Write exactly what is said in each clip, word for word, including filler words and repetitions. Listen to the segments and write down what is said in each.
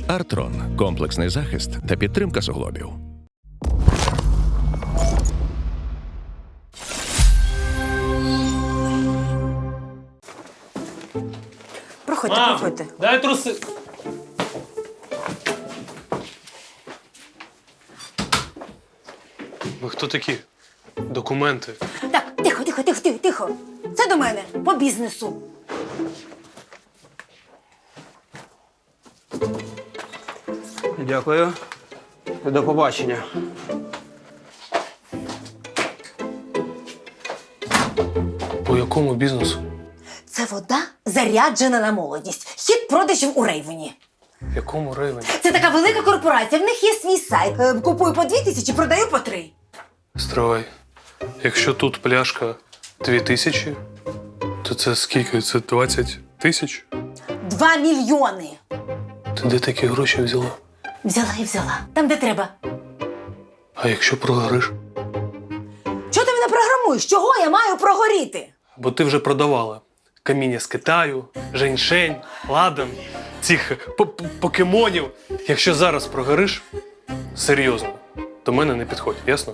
Артрон – комплексний захист та підтримка суглобів. Проходьте, Мам, проходьте. дай труси. Ви хто такі? Документи. Так, тихо, тихо, тихо, тихо, тихо. Це до мене, по бізнесу. Дякую. До побачення. По якому бізнесу? Це вода заряджена на молодість. Хід продажів у Рейвені. В якому районі? Це така велика корпорація, в них є свій сайт. Е, Купую по дві тисячі, продаю по три. Стривай. Якщо тут пляшка дві тисячі, то це скільки? Це двадцять тисяч? Два мільйони. Ти де такі гроші взяла? Взяла і взяла. Там, де треба. А якщо прогориш? Чого ти мене програмуєш? Чого я маю прогоріти? Бо ти вже продавала каміння з Китаю, женьшень, ладан, цих п- п- покемонів. Якщо зараз прогориш, серйозно, до мене не підходь, ясно?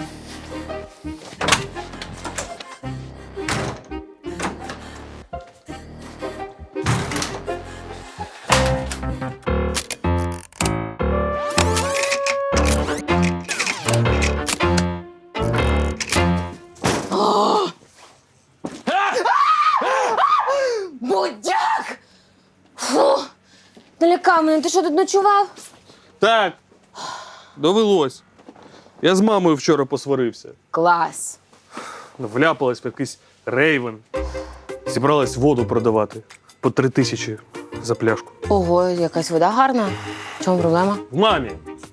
Будяк! Фу! Налякав мене, ти що тут ночував? Так, довелось. Я з мамою вчора посварився. Клас. Вляпалась в якийсь рейвен. Зібралась воду продавати. По три тисячі за пляшку. Ого, якась вода гарна. В чому проблема? В мамі.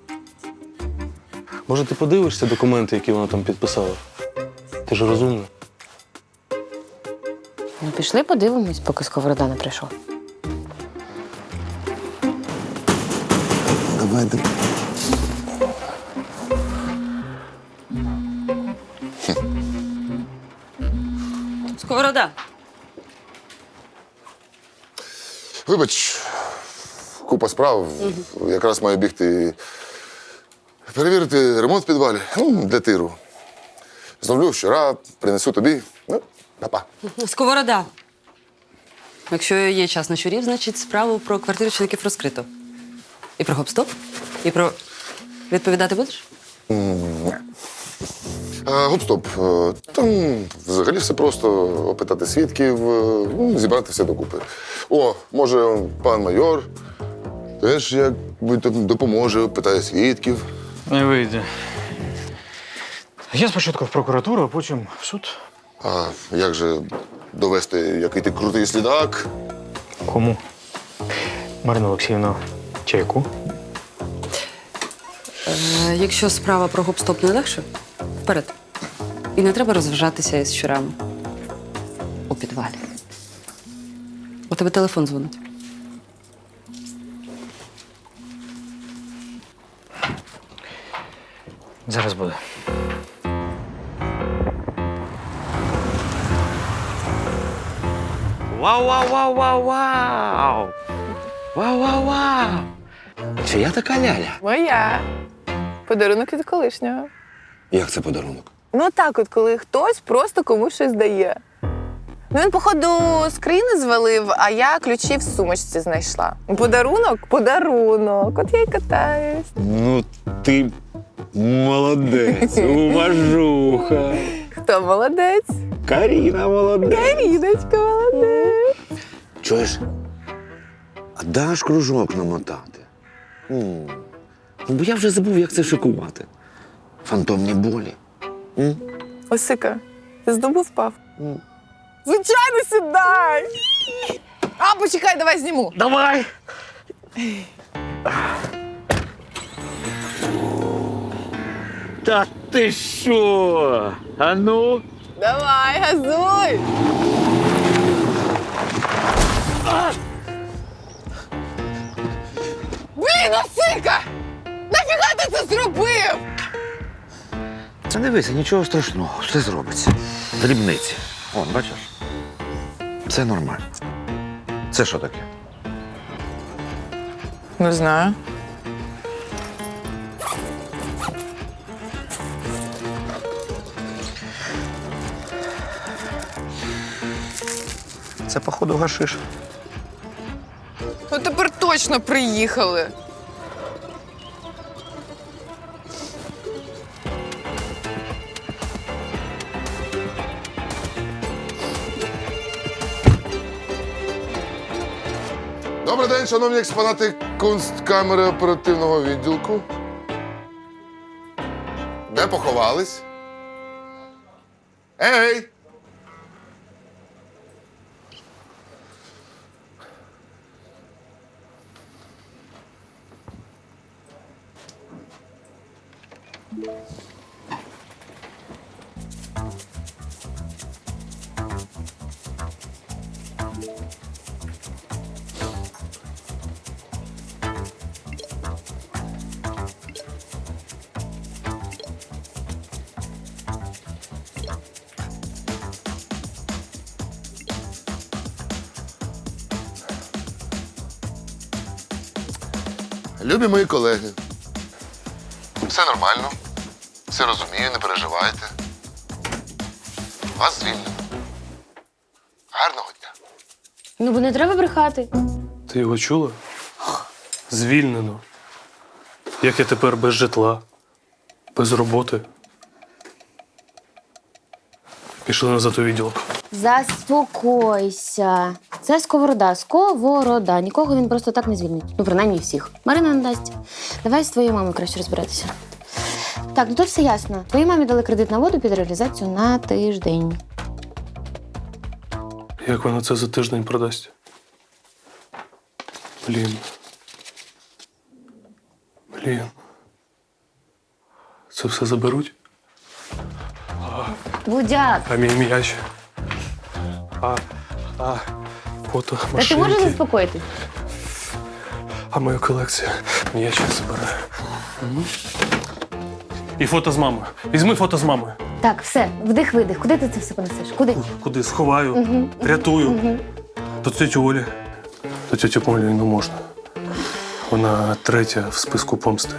Може, ти подивишся документи, які вона там підписала? Ти ж розумна. Ну, пішли подивимось, поки Сковорода не прийшов. Давай, давай. Сковорода. Вибач, купа справ. Якраз маю бігти перевірити ремонт в підвалі. Ну, для тиру. Зроблю вчора, принесу тобі. Ну, па-па. Сковорода. Якщо є час на щурів, значить справу про квартиру чоловіків розкрито. І про гоп-стоп, і про... Відповідати будеш? А, Гоп-стоп. Е, Там взагалі все просто опитати свідків, е, ну, зібрати все докупи. О, може, пан майор теж якби там допоможе, питає свідків. Не вийде. Я спочатку в прокуратуру, а потім в суд. А як же довести, який ти крутий слідак? Кому? Марина Олексіївна, чайку? Е, якщо справа про гоп-стоп не легше, вперед. І не треба розважатися із щурами. У підвалі. У тебе телефон дзвонить. Зараз буде. Вау-вау-вау-вау-вау! Вау-вау-вау! Чия така ляля? Моя. Подарунок від колишнього. Як це подарунок? Ну так от, коли хтось просто комусь щось дає. Ну він, походу, з країни звалив, а я ключі в сумочці знайшла. Подарунок? Подарунок. От я й катаюсь. Ну, ти молодець, уважуха. Хто молодець? Каріна молодець. Каріночка молодець. Чуєш? А даш кружок намотати? М. Ну, бо я вже забув, як це шикувати. Фантомні болі. М? Осика, ти з дубу впав? М. Звичайно, сідай! А, почекай, давай зніму. Давай! Та ти що? А ну? Давай, газуй! А! Блін, Осика! Нафіга ти це зробив? Та дивися, нічого страшного, все зробиться. Дрібниці. Вон, бачиш? Це нормально. Це що таке? Не знаю. Це, походу, гашиш. Ну тепер точно приїхали. Добрий день, шановні експонати кунсткамери оперативного відділку. Де поховались? Ей! Любі мої колеги, все нормально, все розумію, не переживайте. Вас звільнено. Гарного дня. Ну, бо не треба брехати. Ти його чула? Звільнено. Як я тепер без житла, без роботи. Пішли назад у відділок. Заспокойся. Це сковорода. Сковорода. Нікого він просто так не звільнить. Ну, принаймні всіх. Марина не дасть. Давай з твоєю мамою краще розбиратися. Так, ну тут все ясно. Твоїй мамі дали кредит на воду під реалізацію на тиждень. Як вона це за тиждень продасть? Блін. Блін. Це все заберуть? Будяк, А мій м'яч? А, а, фото, та ти машинки. можеш заспокоїтись? А моя колекція м'яча забирає. Мгм. І фото з мамою. Візьми фото з мамою. Так, все, вдих-видих. Куди ти це все понесеш? Куди? Куди? Сховаю, Мгм. рятую. Мгм. До тьоті Олі. До тьоті Олі не можна. Вона третя в списку помсти.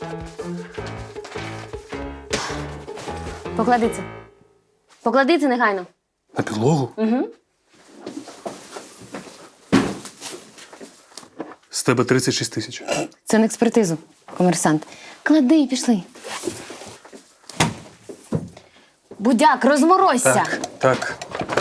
Поклади це. Поклади це негайно. На підлогу? Угу. З тебе тридцять шість тисяч. Це на експертизу, комерсант. Клади, пішли. Будяк, розморозься. Так, так.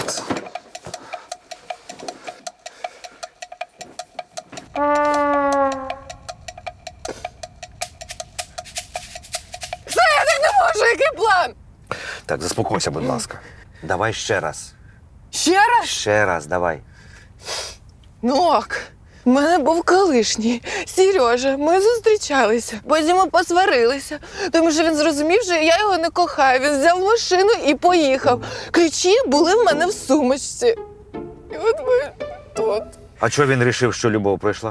Все, я так не можу, який план? Так, заспокойся, будь ласка. Давай ще раз. Ще раз? Ще раз, давай. Ну ок. У мене був колишній Сережа. Ми зустрічалися. Потім ми посварилися, тому що він зрозумів, що я його не кохаю. Він взяв машину і поїхав. Ключі були в мене в сумочці. І от ми тут. А чого він вирішив, що любов пройшла?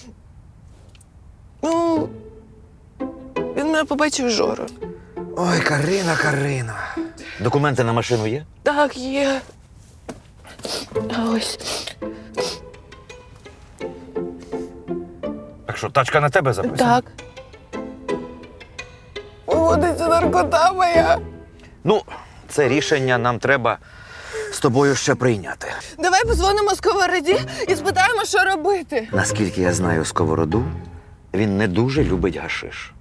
Ну, він мене побачив Жору. Ой, Карина, Карина. Документи на машину є? Так, є. А ось. Так що, тачка на тебе записана? Так. Виводиться наркота моя. Ну, це рішення нам треба з тобою ще прийняти. Давай позвонимо сковороді і спитаємо, що робити. Наскільки я знаю сковороду, він не дуже любить гашиш.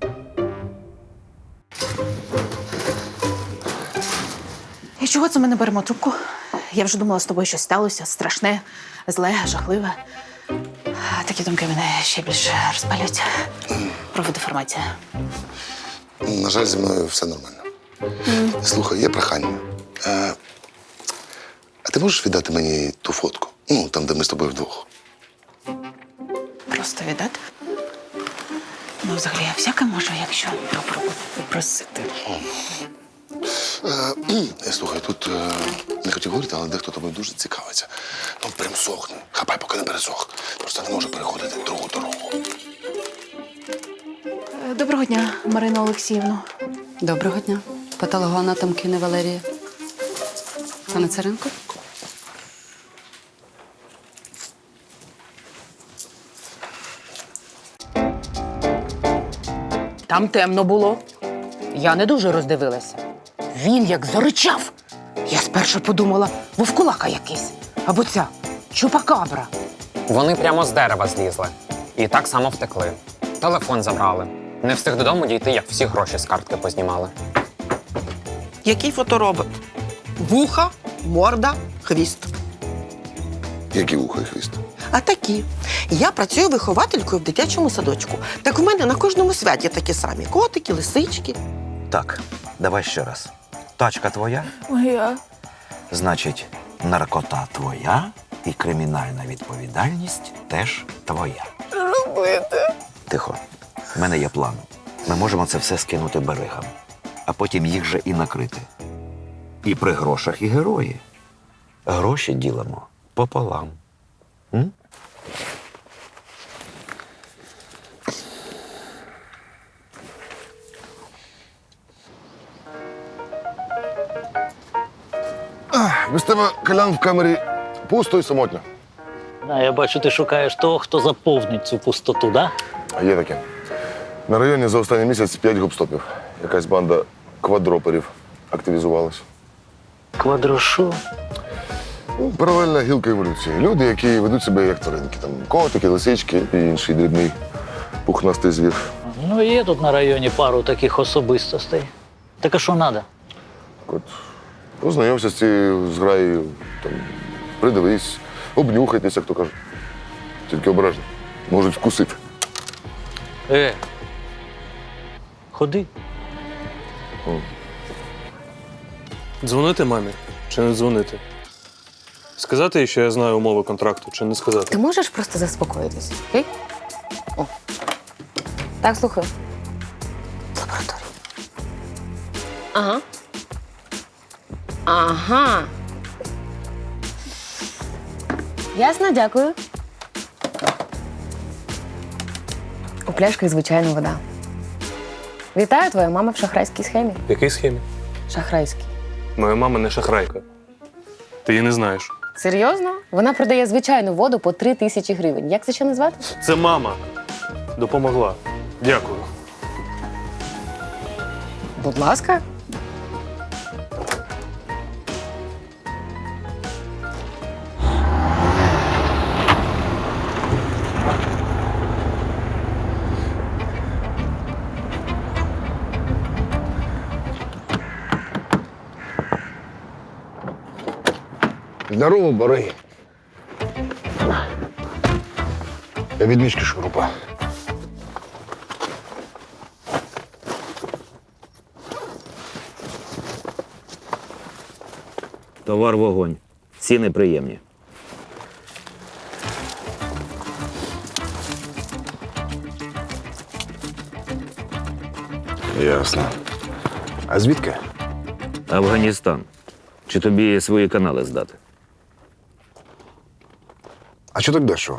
І чого це ми не беремо трубку? Я вже думала, з тобою щось сталося страшне, зле, жахливе. А такі думки мене ще більше розпалюють. Проводи інформацію. На жаль, зі мною все нормально. Слухай, є прохання. А, а ти можеш віддати мені ту фотку? Ну, там, де ми з тобою вдвох. Просто віддати? Ну, взагалі, я всяке можу, якщо добре попросити. Е, Слухай, тут е, не хотів говорити, але дехто тобою дуже цікавиться. Ну, прям сохне. Хапай, поки не пересох. Просто не може переходити другу дорогу. Доброго дня, Марина Олексіївна. Доброго дня. Патологоанатом Кіни Валерія. Пане Царенко? Там темно було. Я не дуже роздивилася. Він як заричав. Я спершу подумала, вовкулака якийсь. Або ця чупакабра. Вони прямо з дерева злізли. І так само втекли. Телефон забрали. Не встиг додому дійти, як всі гроші з картки познімали. Який фоторобот? Вуха, морда, хвіст. Які вуха і хвіст? А такі. Я працюю вихователькою в дитячому садочку. Так в мене на кожному святі такі самі. Котики, лисички. Так, давай ще раз. Тачка твоя, Моя. значить, наркота твоя і кримінальна відповідальність теж твоя. Робити. Тихо. В мене є план. Ми можемо це все скинути берегам, а потім їх же і накрити. І при грошах, і герої. Гроші ділимо пополам. М? Без тебе, Колян, в камері пусто і самотньо. А я бачу, ти шукаєш того, хто заповнить цю пустоту, да? А є таке. На районі за останній місяць п'ять гопстопів. Якась банда квадроперів активізувалась. Квадрошу. Ну, паралельна гілка еволюції. Люди, які ведуть себе як тваринки. Там котики, лисички і інший дрібний пухнастий звір. Ну, є тут на районі пару таких особистостей. Так а що треба? От познайомся з цією зграєю, там, придивись, обнюхайтеся, як то каже. Тільки обережно. Можуть вкусити. Е, ходи. Дзвонити мамі чи не дзвонити? Сказати їй, що я знаю умови контракту, чи не сказати? Ти можеш просто заспокоїтися, окей? О. Так, слухаю. Лабораторія. Ага. Ага. Ясно, дякую. У пляшках звичайна вода. Вітаю, твоя мама в шахрайській схемі. В якій схемі? Шахрайській. Моя мама не шахрайка. Ти її не знаєш. Серйозно? Вона продає звичайну воду по три тисячі гривень. Як це ще назвати? Це мама. Допомогла. Дякую. Будь ласка. Здорово, бариги. Я від мішки шурупа. Товар вогонь. Ціни приємні. Ясно. А звідки? Афганістан. Чи тобі свої канали здати? А що так дешево?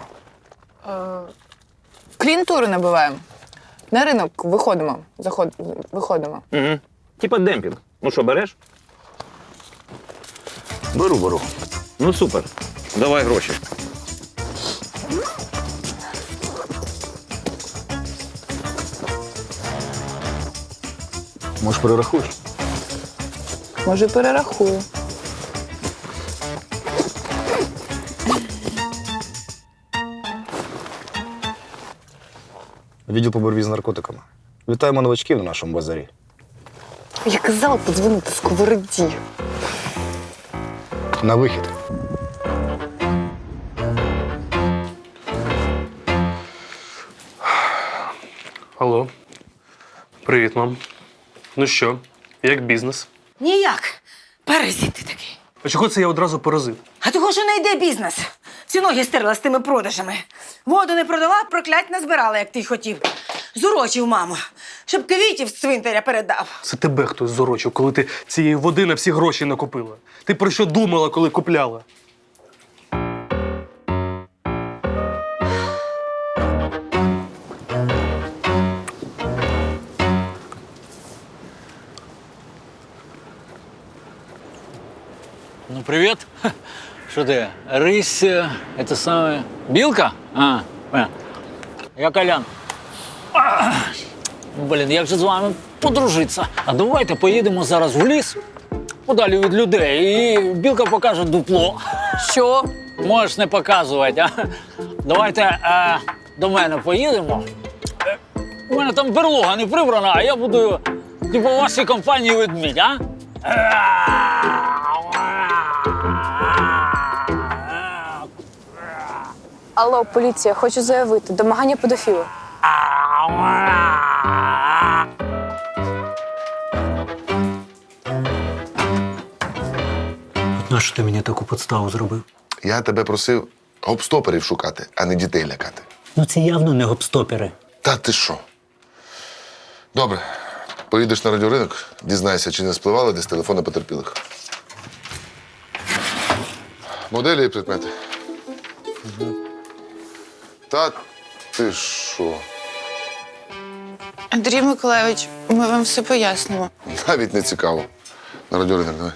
Клієнтуру набиваємо. На ринок виходимо. Заход... Виходимо. Угу. Типа демпінг. Ну що, береш? Беру, беру. Ну супер. Давай гроші. Може, перерахуєш? Може, перерахую. Відділ по боротьбі з наркотиками. Вітаємо новачків на нашому базарі. Я казала подзвонити сковороді. На вихід. Алло. Привіт, мам. Ну що, як бізнес? Ніяк. Паразит ти такий. А чого це я одразу поразив? А того, що не йде бізнес. Всі ноги стерла з тими продажами. Воду не продала, проклять не збирала, як ти й хотів. Зурочив маму, щоб квітів з цвинтаря передав. Це тебе хтось зорочив, коли ти цієї води на всі гроші накупила. Ти про що думала, коли купляла? Ну, привіт. Що ти? Рись, е, це саме. Білка? А, понятно. Я Колян. Блін, як же з вами подружитися? А давайте поїдемо зараз в ліс, подалі від людей, і білка покаже дупло. Що? Можеш не показувати, а? Давайте е, до мене поїдемо. Е, У мене там берлога не прибрана, а я буду, типу, у вашій компанії ведмідь, а? Алло, поліція, хочу заявити. Домагання педофіла. Нащо ти мені таку подставу зробив? Я тебе просив гопстоперів шукати, а не дітей лякати. Ну це явно не гопстопери. Та ти що? Добре. Поїдеш на радіоринок, дізнайся, чи не спливали десь телефони потерпілих. Моделі і предмети. Та ти що? Андрій Миколайович, ми вам все пояснимо. Навіть не цікаво. На радіоринок давай.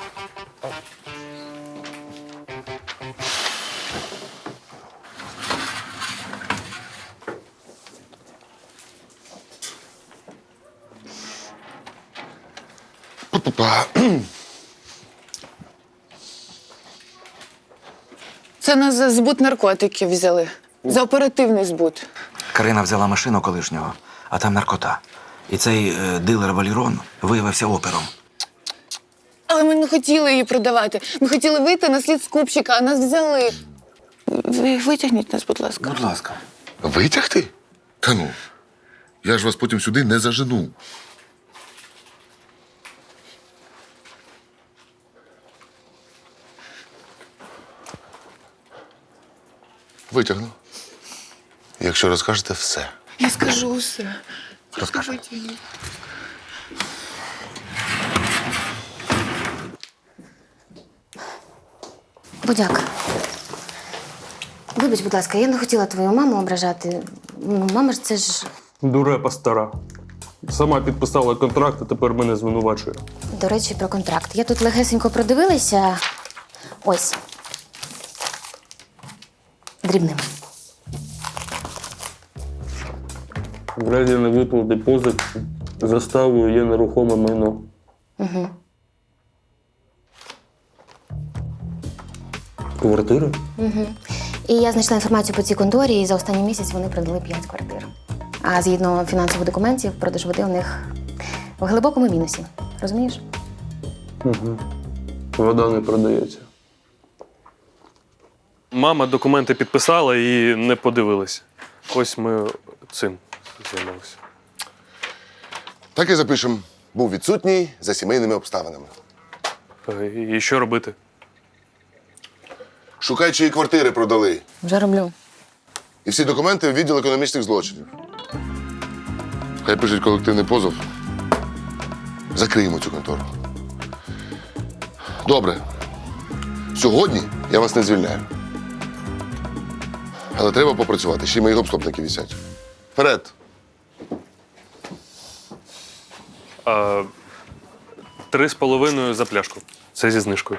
Це нас за збут наркотиків взяли. За оперативний збут. Карина взяла машину колишнього, а там наркота. І цей е, дилер Валірон виявився опером. Але ми не хотіли її продавати. Ми хотіли вийти на слід скупщика, а нас взяли. Ви витягніть нас, будь ласка. Будь ласка. Витягти? Та ну. Я ж вас потім сюди не зажену. Витягну. Якщо розкажете все. Я скажу усе. Розкажи. Витягніть. Будяк. Вибач, будь ласка, я не хотіла твою маму ображати. Ну, мама ж це ж. Дурепа стара. Сама підписала контракт, а тепер мене звинувачує. До речі, про контракт. Я тут легесенько продивилася. Ось. Дрібним. В разі невиплати позик заставою є нерухоме майно. Угу. Квартира? Угу. І я знайшла інформацію по цій конторі, і за останній місяць вони продали п'ять квартир. А згідно фінансових документів, продаж води у них в глибокому мінусі. Розумієш? Угу. Вода не продається. Мама документи підписала і не подивилась. Ось ми цим займалися. Так і запишемо. Був відсутній за сімейними обставинами. І що робити? Шукай, чиї квартири продали. Вже роблю. І всі документи в відділ економічних злочинів. Хай пишуть колективний позов. Закриємо цю контору. Добре. Сьогодні я вас не звільняю. Але треба попрацювати, ще й мої гопстопники висять. Вперед! А, три з половиною за пляшку. Це зі знижкою.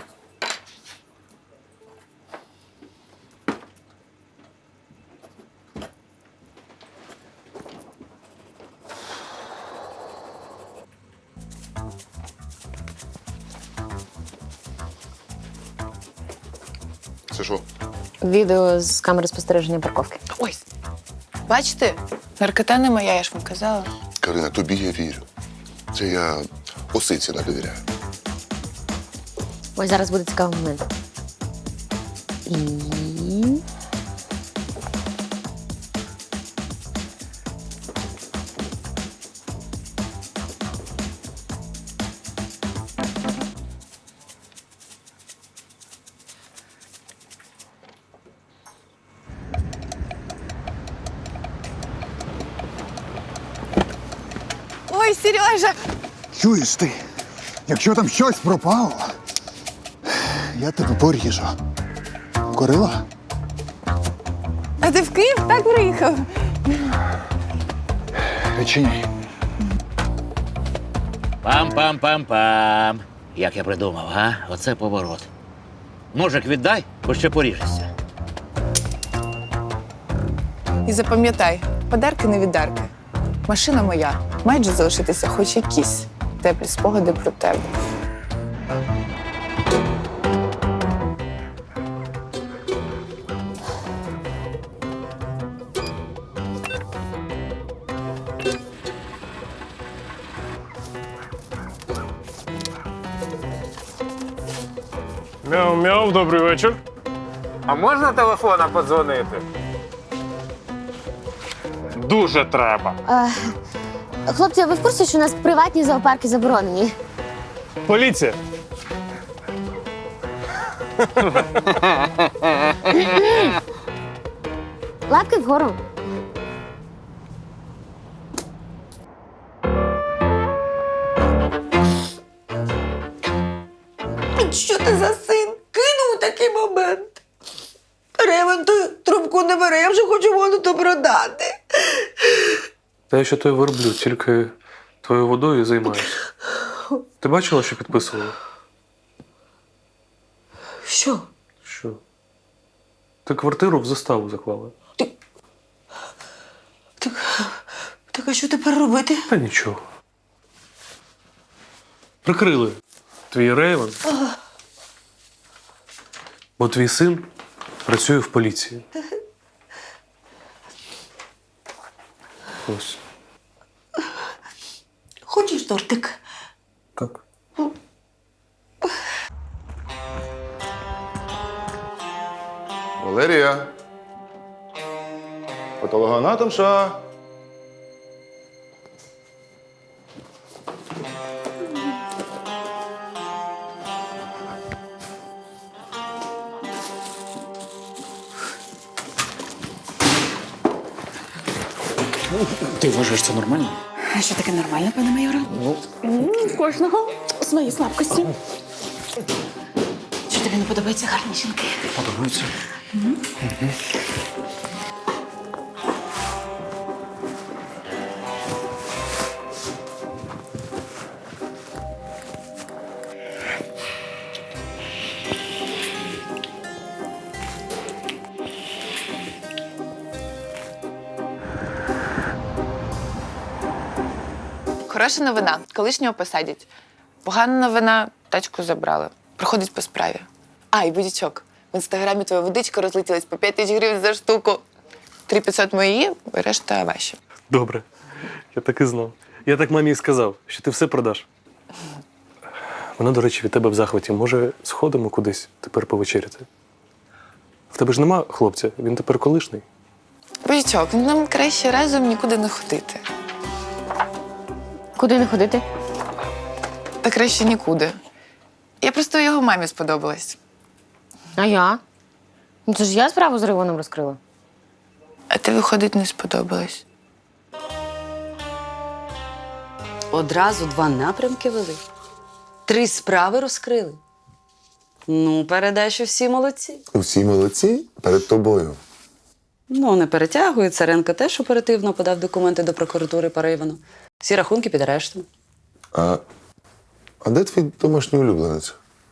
Це що? Відео з камери спостереження парковки. Ось. Бачите? Наркота не моя, я ж вам казала. Карина, тобі я вірю. Це я осиці не довіряю. Ось зараз буде цікавий момент. І... Ой, Сережа! Чуєш ти? Якщо там щось пропало, я тебе поріжу. Корила? А ти в Київ так приїхав? Відчиняй. Пам-пам-пам-пам. Як я придумав, га? Оце поворот. Ножик віддай, бо ще поріжешся. І запам'ятай, подарки не віддарки. Машина моя. Мають же залишитися хоч якісь теплі спогади про тебе. Мяу-мяу, добрий вечір. А можна телефона подзвонити? Дуже треба. Е, хлопці, а ви в курсі, що у нас приватні зоопарки заборонені? Поліція. Лапки вгору. Що ти за син? Кинув такий момент. Ревен, ти трубку не бере, я вже хочу воду то продати. Та я ще той верблюд, тільки твоєю водою займаюся. Ти бачила, що підписувала? Що? Що? Ти квартиру в заставу заклала. Так а що тепер робити? Та нічого. Прикрили твій рейвен, бо твій син працює в поліції. Ось. Хочеш тортик? Так. Валерія. Патологоанатомша. Ти вважаєш це нормально? А що таке нормально, пане майоре? Ну, У кожного свої слабкості. Що тобі не подобаються гарні жінки? подобається. Хороша новина. Колишнього посадять. Погана новина – тачку забрали. Проходить по справі. А, і будячок. В інстаграмі твоя водичка розлетілась по п'ять тисяч гривень за штуку. три п'ятсот мої, решта ваші. Добре. Я так і знав. Я так мамі і сказав, що ти все продаш. Вона, до речі, від тебе в захваті. Може, сходимо кудись тепер повечеряти? В тебе ж нема хлопця, він тепер колишній. Будячок, нам краще разом нікуди не ходити. Куди не ходити? Та краще нікуди. Я просто його мамі сподобалась. А я? Ну, це ж я справу з Рейвоном розкрила. А ти, виходить, не сподобалась. Одразу два напрямки вели. Три справи розкрили. Ну, передай, що всі молодці. Всі молодці перед тобою. Ну, не перетягує. Царенко теж оперативно подав документи до прокуратури по Рейвену. Всі рахунки під арештом. А, а де твій домашній улюбленець?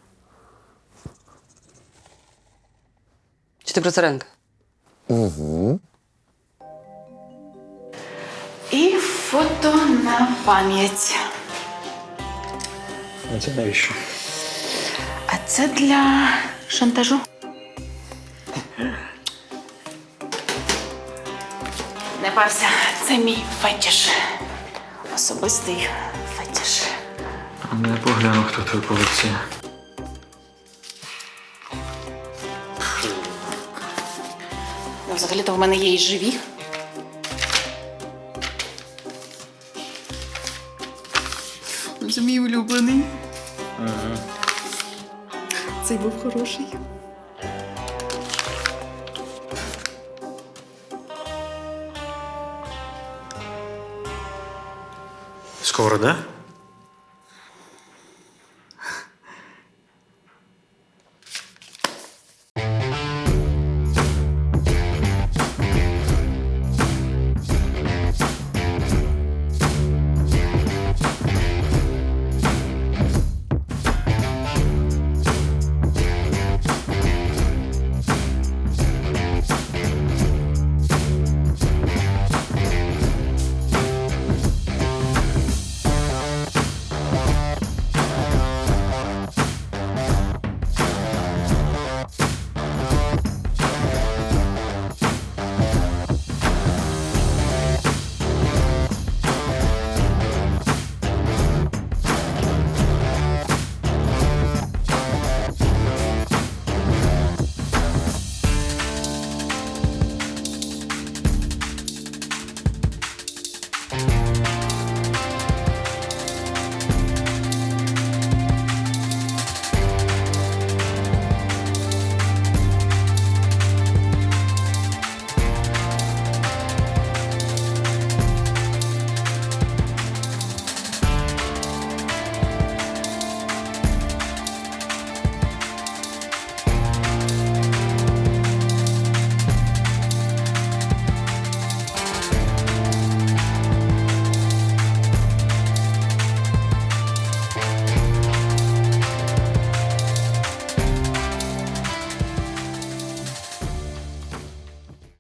Чи ти про Царенка? Угу. І фото на пам'ять. А це навіщо? А це для шантажу. Не парся, це мій фетіш. Особистий фетіш. Не погляну, хто в тебе полиці. Ну, взагалі-то в мене є і живі. Ну, це мій улюблений. Ага. Цей був хороший. Сковорода?